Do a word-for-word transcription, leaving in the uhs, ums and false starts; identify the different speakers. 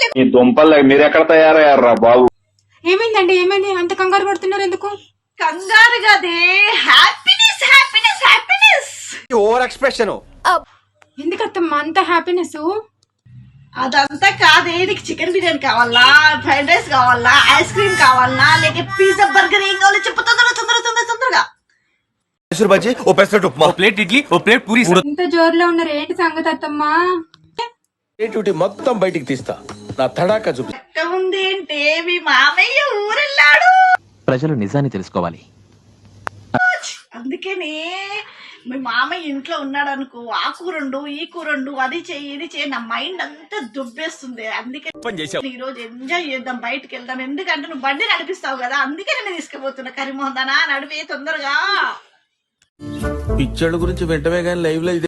Speaker 1: ఈ దుంపలు మీరు ఎక్కడ తయారయ్యారా బాబు?
Speaker 2: ఏమైందండి? ఏమైంది? అంత కంగారు పడుతున్నారు ఎందుకు?
Speaker 3: కంగారు కదే, happiness happiness happiness.
Speaker 4: Over expression.
Speaker 2: ఎందుకత్తమ్మా అంత హ్యాపీనెస్?
Speaker 3: అదంతా కాదే, నీకు చికెన్ బిర్యానీ కావాలా, ఫ్రైడ్ రైస్ కావాలా, ఐస్ క్రీమ్ కావాలా, లేక పిజ్జా బర్గర్ ఏం కావాలో చెప్పు తొందరగా తొందరగా తొందరగా తొందరగా.
Speaker 4: మైసూర్ బజ్జీ, ఓ పెసరట్ ఉప్మా,
Speaker 5: ఓ ప్లేట్ ఇడ్లీ, ఓ ప్లేట్ పూరి.
Speaker 2: ఇంత జోరులో ఉన్నారు ఏంటి సంగతి అత్తమ్మా?
Speaker 6: క్రియేటివిటీ మొత్తం బయటికి తీస్తా, నా తడాకా చూపి.
Speaker 3: ఎక్క ఉంది ఏంటే, మీ మామయ్య ఊరెళ్ళాడు.
Speaker 5: ప్రజలు నిజాన్ని తెలుసుకోవాలి.
Speaker 3: అందుకనే మీ మామయ్య ఇంట్లో ఉన్నాడు అనుకో, ఆ కూరండు ఈ కూరండు అది చెయ్యి ఇది చెయ్యి, నా మైండ్ అంతా దుబ్బేస్తుంది. అందుకే ఈ రోజు ఎంజాయ్ చేద్దాం, బయటకు వెళ్దాం. ఎందుకంటే నువ్వు బండి నడిపిస్తావు కదా, అందుకే నేను తీసుకుపోతున్నా. కరిమోహన్ దానా నడిపే తొందరగా.
Speaker 6: పిచ్చోళ్ళ గురించి వెంటనే కానీ లైవ్ లో